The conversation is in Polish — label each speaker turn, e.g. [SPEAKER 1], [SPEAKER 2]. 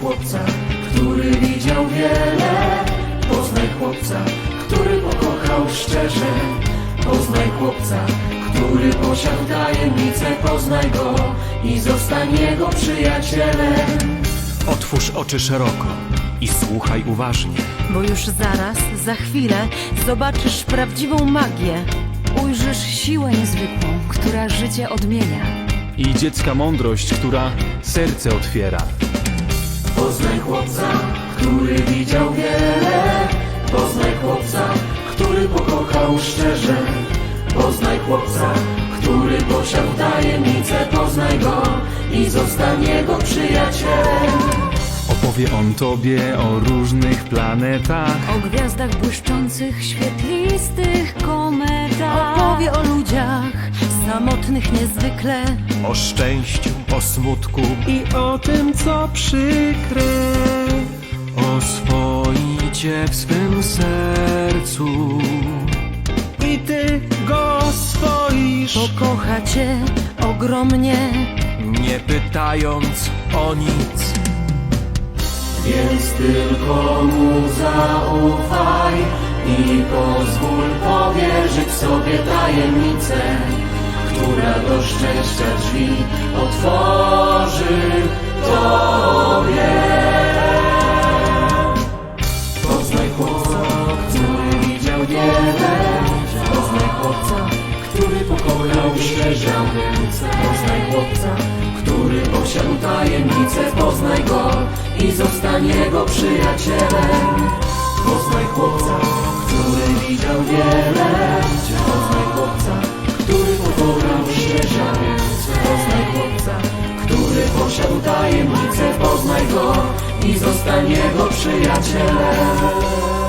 [SPEAKER 1] chłopca, który widział wiele. Poznaj chłopca, który pokochał szczerze. Poznaj chłopca, który posiadł tajemnicę. Poznaj go i zostań jego przyjacielem.
[SPEAKER 2] Otwórz oczy szeroko i słuchaj uważnie.
[SPEAKER 3] Bo już zaraz, za chwilę zobaczysz prawdziwą magię. Ujrzysz siłę niezwykłą, która życie odmienia.
[SPEAKER 2] I dziecka mądrość, która serce otwiera.
[SPEAKER 1] Poznaj chłopca, który widział wiele. Poznaj chłopca, który pokochał szczerze. Poznaj chłopca, który posiadł tajemnicę. Poznaj go i zostań jego przyjacielem.
[SPEAKER 2] Opowie on tobie o różnych planetach.
[SPEAKER 3] O gwiazdach błyszczących, świetlistych kometach. Opowie o ludziach samotnych niezwykle.
[SPEAKER 2] O szczęściu, o smutku i o tym, co przykre. Oswoicie w swym sercu i ty go oswoisz,
[SPEAKER 3] Pokocha cię ogromnie.
[SPEAKER 2] nie pytając o nic.
[SPEAKER 1] Więc tylko mu zaufaj i pozwól powierzyć sobie tajemnicę, która do szczęścia drzwi otworzy tobie. Poznaj chłopca, który widział wiele. Poznaj chłopca, który pokochał szczerze. Poznaj chłopca, który posiadł tajemnicę. Poznaj go i zostań jego przyjacielem. Poznaj chłopca, który widział wiele. Poznaj chłopca, który pokochał szczerze. Poznaj chłopca, który posiadł tajemnicę. Poznaj go i zostań jego przyjacielem.